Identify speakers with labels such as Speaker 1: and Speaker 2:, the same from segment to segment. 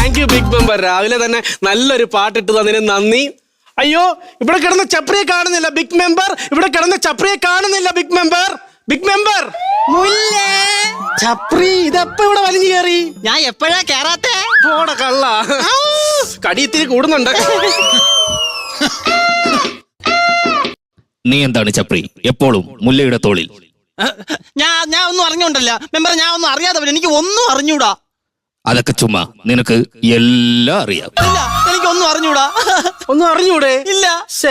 Speaker 1: Thank you big member. രാവിലെ തന്നെ നല്ലൊരു പാട്ടിട്ട് തന്നതിന് നന്ദി. അയ്യോ, ഇവിടെ കിടന്ന ചപ്രിയെ കാണുന്നില്ല ബിഗ് മെമ്പർ. ഇവിടെ കിടന്ന ചപ്രിയെ കാണുന്നില്ല ബിഗ് മെമ്പർ. ബിഗ് മെമ്പർ
Speaker 2: മുല്ലേ
Speaker 1: ചപ്രി ഇതെപ്പ ഇവിടെ വലിഞ്ഞു കയറി?
Speaker 2: ഞാൻ എപ്പോഴാ കേറാത്തെ?
Speaker 1: പോടെ കള്ള, കടിയിത്തിരി കൂടുന്നുണ്ട്.
Speaker 3: നീ എന്താണ് ചപ്രി എപ്പോഴും മുല്ലയുടെ തോളിൽ?
Speaker 2: ഞാൻ ഒന്നും അറിഞ്ഞോണ്ടല്ല മെമ്പർ, ഞാൻ ഒന്നും അറിയാതെ എനിക്ക് ഒന്നും അറിഞ്ഞൂടാ.
Speaker 3: അതൊക്കെ ചുമ്മാ, നിനക്ക് എല്ലാം അറിയാം.
Speaker 2: ഇല്ല, എനിക്കൊന്നും അറിഞ്ഞൂടാ.
Speaker 1: ഒന്നും അറിഞ്ഞൂടെ?
Speaker 2: ഇല്ല.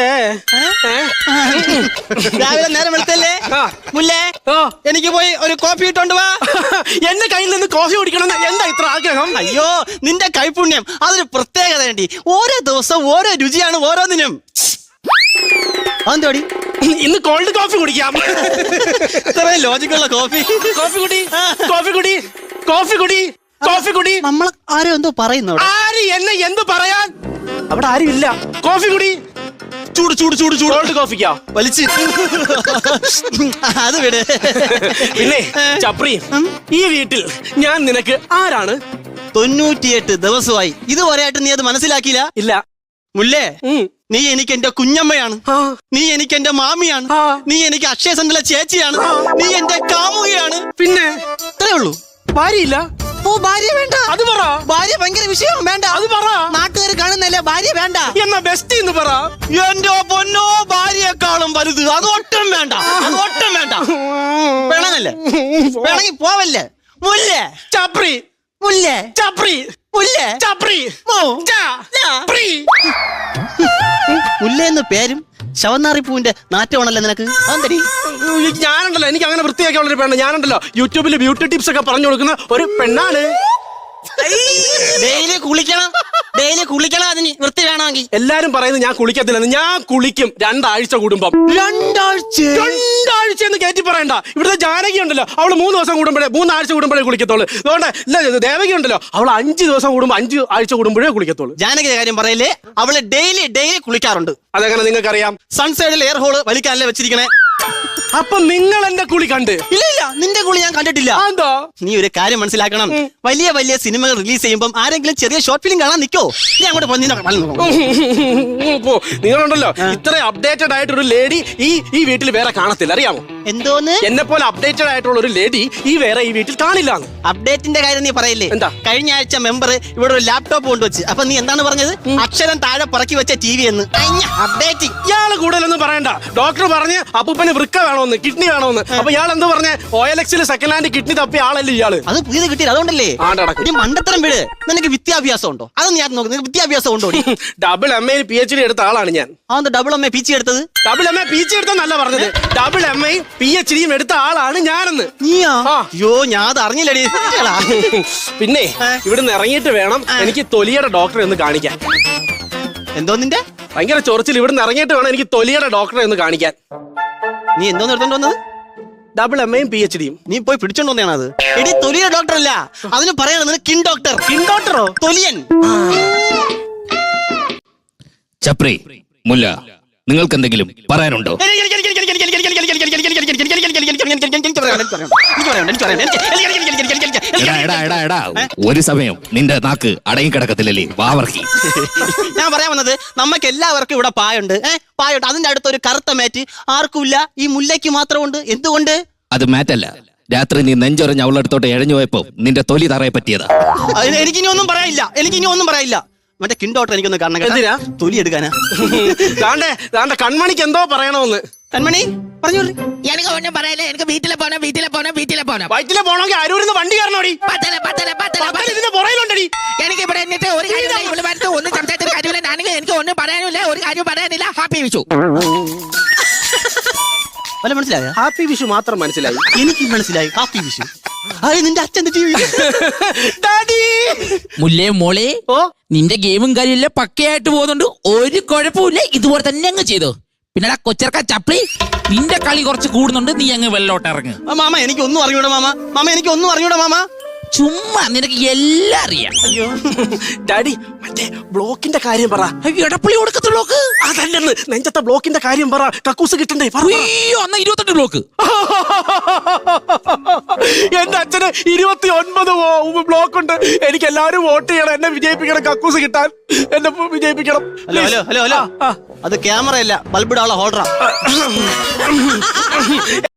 Speaker 2: രാവിലെ നേരം വെളുത്തല്ലേ മുല്ലേ, എനിക്ക് പോയി ഒരു കോഫി ഇട്ടോണ്ട് വാ.
Speaker 1: എന്റെ കയ്യിൽ നിന്ന് കോഫി കുടിക്കണം എന്താ ഇത്ര ആഗ്രഹം?
Speaker 2: അയ്യോ, നിന്റെ കൈപുണ്യം അതൊരു പ്രത്യേകത വേണ്ടി. ഓരോ ദിവസവും ഓരോ രുചിയാണ് ഓരോന്നിനും. അതെന്തോടി
Speaker 1: ഇന്ന് കോൾഡ് കോഫി കുടിക്കാം.
Speaker 2: ഇത്രയും ലോജിക്കുള്ള കോഫി.
Speaker 1: കോഫി കുടി, കോഫി കുടി, കോഫി കുടി, കോഫി കുടി.
Speaker 2: നമ്മൾ ആരോ എന്തോ പറയുന്നു.
Speaker 1: ആര് എന്നെ എന്ത് പറയാൻ? അവിടെ ആരും ഇല്ല. കോഫി കുടി.
Speaker 2: ചൂട് ചൂട് ചൂട് ചൂട്.
Speaker 1: കോൾഡ് കോഫിക്കാ
Speaker 2: വലിച്ച് അത് വിട്.
Speaker 1: പിന്നെ ചപ്രി, ഈ വീട്ടിൽ ഞാൻ നിനക്ക് ആരാണ്?
Speaker 2: 98 ദിവസമായി ഇതുവരെയായിട്ട് നീ അത് മനസ്സിലാക്കിയില്ല.
Speaker 1: ഇല്ല
Speaker 2: മുല്ലേ, നീ എനിക്ക് എന്റെ കുഞ്ഞമ്മയാണ്, നീ എനിക്ക് എന്റെ മാമിയാണ്, നീ എനിക്ക് അക്ഷയ സെന്ററിലെ ചേച്ചിയാണ്, നീ എന്റെ കാമുകയാണ്.
Speaker 1: പിന്നെ
Speaker 2: ഇത്രേ ഉള്ളൂ.
Speaker 1: ഭാര്യയില്ല?
Speaker 2: ഓ, ഭാര്യ വേണ്ട.
Speaker 1: അത് പറ.
Speaker 2: ഭാര്യ ഭയങ്കര വിഷയം. വേണ്ട.
Speaker 1: അത് പറ.
Speaker 2: നാട്ടുകാർ കാണുന്നല്ലേ, ഭാര്യ വേണ്ട.
Speaker 1: എന്നാ ബെസ്റ്റ് എന്ന് പറ.
Speaker 2: എന്റെ പൊന്നോ, ഭാര്യയെക്കാളും വലുത്. അതൊട്ടും വേണ്ട, അതൊട്ടും വേണ്ട. വേണമെന്നല്ലേ, വേണമെങ്കിൽ പോവല്ലേ. മുല്ലേ
Speaker 1: ചപ്രി,
Speaker 2: മുല്ലേ
Speaker 1: ചപ്രി,
Speaker 2: മുല്ലേ
Speaker 1: ചപ്രി, ചപ്രി.
Speaker 2: മുല്ലേന്ന് പേരും ശവന്നാറിപ്പൂവിന്റെ നാറ്റമാണല്ലോ നിനക്ക്. അതെന്തടി?
Speaker 1: ഞാനുണ്ടല്ലോ, എനിക്ക് അങ്ങനെ വൃത്തിയാക്കി ഉള്ളൊരു പെണ്ണ്. ഞാനുണ്ടല്ലോ യൂട്യൂബിൽ ബ്യൂട്ടി ടിപ്സ് ഒക്കെ പറഞ്ഞു കൊടുക്കുന്ന ഒരു പെണ്ണാണ്.
Speaker 2: ഡെയിലി കുളിക്കണം, ഡെയിലി കുളിക്കണം. അതിന് വൃത്തി വേണമെങ്കിൽ.
Speaker 1: എല്ലാരും പറയുന്നത് ഞാൻ കുളിക്കത്തില്ലെന്ന്. ഞാൻ കുളിക്കും 2 ആഴ്ച കൂടുമ്പം.
Speaker 2: 2 ആഴ്ച?
Speaker 1: 2 ആഴ്ച എന്ന് കയറ്റി പറയണ്ട. ഇവിടുത്തെ ജാനകി ഉണ്ടല്ലോ, അവള് 3 ദിവസം കൂടുമ്പോഴേ, 3 ആഴ്ച കൂടുമ്പോഴേ കുളിക്കത്തുള്ളൂ. അതുകൊണ്ട് ഇല്ല, ദേവകി ഉണ്ടല്ലോ, അവൾ 5 ദിവസം കൂടുമ്പോ 5 ആഴ്ച കൂടുമ്പോഴേ കുളിക്കത്തുള്ളൂ.
Speaker 2: ജാനകിയുടെ കാര്യം പറയല്ലേ, അവള് ഡെയിലി കുളിക്കാറുണ്ട്.
Speaker 1: അതെങ്ങനെ നിങ്ങൾക്കറിയാം?
Speaker 2: സൺസൈഡിൽ എയർ ഹോള് വലിക്കാനല്ലേ വെച്ചിരിക്കണേ.
Speaker 1: അപ്പൊ നിങ്ങൾ എന്റെ കുളി കണ്ട്?
Speaker 2: ഇല്ല, നിന്റെ കുളി ഞാൻ കണ്ടിട്ടില്ല.
Speaker 1: എന്താ?
Speaker 2: നീ ഒരു കാര്യം മനസ്സിലാക്കണം. വലിയ വലിയ സിനിമകൾ റിലീസ് ചെയ്യുമ്പോൾ ആരെങ്കിലും ചെറിയ ഷോർട്ട് ഫിലിം കാണാൻ നിൽക്കോ? നീ അങ്ങോട്ട്
Speaker 1: നിങ്ങളുണ്ടല്ലോ, ഇത്ര അപ്ഡേറ്റഡ് ആയിട്ടൊരു ലേഡി ഈ വീട്ടിൽ വേറെ കാണത്തില്ല, അറിയാമോ?
Speaker 2: എന്തോന്ന്?
Speaker 1: എന്നെ പോലെ അപ്ഡേറ്റഡ് ആയിട്ടുള്ള ഒരു ലേഡി ഈ വീട്ടിൽ കാണില്ല.
Speaker 2: അപ്ഡേറ്റിന്റെ കാര്യം നീ പറയില്ലേ?
Speaker 1: എന്താ?
Speaker 2: കഴിഞ്ഞ ആഴ്ച മെമ്പർ ഇവിടെ ഒരു ലാപ്ടോപ്പ് കൊണ്ടുവച്ച്. അപ്പൊ നീ എന്താണ് പറഞ്ഞത്? അക്ഷരം താഴെ പുറക്കി വെച്ച TV എന്ന്. അപ്ഡേറ്റിംഗ്.
Speaker 1: ഇയാള് കൂടുതലൊന്നും പറയണ്ട. ഡോക്ടർ പറഞ്ഞ് അപ്പൂപ്പന് വൃക്ക വേണോന്ന്, കിഡ്നി വേണോന്ന്. അപ്പൊ ഇയാൾ എന്ത് പറഞ്ഞ OLX സെക്കൻഡ് ഹാൻഡ് കിഡ്നി തപ്പിയ ആളല്ലേ ഇയാള്?
Speaker 2: അത് പുതിയത് കിട്ടിയത് അതുകൊണ്ടല്ലേ? നീ മണ്ടത്തരം വിട്. നിനക്ക് വിദ്യാഭ്യാസം ഉണ്ടോ? അത് ഞാൻ നോക്കുന്നത്. വിദ്യാഭ്യാസം ഉണ്ടോ?
Speaker 1: ഡബിൾ MA PhD എടുത്ത ആളാണ് ഞാൻ.
Speaker 2: അതെന്താ ഡബിൾ MA PhD എടുത്തത്?
Speaker 1: ഡബിൾ MA PhD എടുത്തല്ല പറഞ്ഞത്, ഡബിൾ MA PhD എടുത്ത ആളാണ് ഞാനെന്ന്.
Speaker 2: നീയാ? അയ്യോ, ഞാൻ അത് അറിഞ്ഞില്ലടി.
Speaker 1: പിന്നെ ഇവിടുന്ന് ഇറങ്ങിയിട്ട് വേണം എനിക്ക് തൊലിയുടെ ഡോക്ടറെ ഒന്ന് കാണിക്കാൻ.
Speaker 2: എന്തോ നിന്റെ
Speaker 1: ഭയങ്കര ചൊറിച്ചിൽ. ഇവിടുന്ന് ഇറങ്ങിയിട്ട് വേണം എനിക്ക് തൊലിയുടെ ഡോക്ടറെ ഒന്ന് കാണിക്കാൻ.
Speaker 2: നീ എന്തോന്ന് എടുത്തോണ്ട് വന്നത്?
Speaker 1: Double MA PhD.
Speaker 2: നീ പോയി പിടിച്ചോണ്ട് വന്നതാണ് അത്. എടി, തൊലിയ ഡോക്ടർ അല്ല, അതിന് പറയണത് കിൻ ഡോക്ടർ.
Speaker 1: കിൻ ഡോക്ടറോ?
Speaker 2: തൊലിയൻ.
Speaker 3: ചപ്രി, മുല്ല, നിങ്ങൾക്ക് എന്തെങ്കിലും പറയാനുണ്ടോ? ഒരു സമയം നിന്റെ നാക്ക് അടങ്ങിക്കിടക്കത്തില്ലല്ലേ വാവർക്കി.
Speaker 2: ഞാൻ പറയാൻ വന്നത്, നമുക്ക് എല്ലാവർക്കും ഇവിടെ പായുണ്ട്. പായുണ്ട്. അതിന്റെ അടുത്തൊരു കറുത്ത മാറ്റ് ആർക്കുമില്ല, ഈ മുല്ലയ്ക്ക് മാത്രമുണ്ട്. എന്തുകൊണ്ട്?
Speaker 3: അത് മാറ്റല്ല, രാത്രി നീ നെഞ്ചൊറഞ്ഞ് അവളടുത്തോട്ട് എഴഞ്ഞു പോയപ്പോ നിന്റെ തൊലി തറയെ പറ്റിയതാ.
Speaker 2: എനിക്കിനി ഒന്നും പറയാനില്ല. മറ്റേ കിൻ ഡോക്ടർ എനിക്കൊന്ന് കാണണം.
Speaker 1: എന്തിനാ?
Speaker 2: തൊലി എടുക്കാനാ.
Speaker 1: കൺമണിക്ക് എന്തോ പറയണോന്ന്.
Speaker 2: കൺമണി പറഞ്ഞോളൂ.
Speaker 4: എനിക്ക് ഒന്നും പറയല്ലേ. എനിക്ക് വീട്ടിലെ പോണം.
Speaker 1: വയറ്റിലെ പോണെങ്കിൽ അരൂരിന്ന് വണ്ടി കയറണോടി. ഇതിന്റെ പുറയിലുണ്ടടി.
Speaker 4: എനിക്ക് ഇവിടെ എന്നിട്ട് ഒരു കാര്യം ഒന്നും സംസാരിച്ചിട്ട് കാര്യമില്ല. ഞാനെങ്കിൽ എനിക്ക് ഒന്നും പറയാനില്ല, ഒരു കാര്യം പറയാനില്ല. ഹാപ്പി വിഷു.
Speaker 2: വല്ല മനസ്സിലായ?
Speaker 1: ഹാപ്പി വിഷു മാത്രം മനസ്സിലായി.
Speaker 2: എനിക്ക് മനസ്സിലായി ഹാപ്പി വിഷു. നിന്റെ അച്ഛൻ
Speaker 4: മുല്ലേ മോളെ, നിന്റെ ഗെയിമും കാര്യമില്ല, പക്കയായിട്ട് പോകുന്നുണ്ട്. ഒരു കുഴപ്പമില്ല. ഇതുപോലെ തന്നെ അങ്ങ് ചെയ്തോ. പിന്നെ കൊച്ചർക്ക ചപ്ലി, നിന്റെ കളി കുറച്ച് കൂടുന്നുണ്ട്. നീ അങ്ങ് വെള്ളോട്ട് ഇറങ്ങ്.
Speaker 2: മാമ. എനിക്കൊന്നും അറിഞ്ഞൂടാ മാമ.
Speaker 4: ചുമ്മാ നിനക്ക് എല്ലാം അറിയാം.
Speaker 2: അയ്യോ
Speaker 1: ഡാഡി മറ്റേ ബ്ലോക്കിന്റെ കാര്യം പറ.
Speaker 4: എടപ്പള്ളി കൊടുക്കത്ത ബ്ലോക്ക്
Speaker 1: അതല്ലെന്ന്, നെഞ്ചത്തെ ബ്ലോക്കിന്റെ കാര്യം പറ. കക്കൂസ് കിട്ടണ്ടേ? പറ.
Speaker 4: അയ്യോ എന്നാ 28 ബ്ലോക്ക്.
Speaker 1: എന്റെ അച്ഛന് 29 ബ്ലോക്ക് ഉണ്ട്. എനിക്ക് എല്ലാവരും വോട്ട് ചെയ്യണം, എന്നെ വിജയിപ്പിക്കണം, കക്കൂസ് കിട്ടാൻ എന്നെ വിജയിപ്പിക്കണം.
Speaker 2: ഹലോ ഹലോ ഹലോ ഹലോ അത് ക്യാമറ അല്ല, ബൾബിടാനുള്ള ഹോൾഡറാ.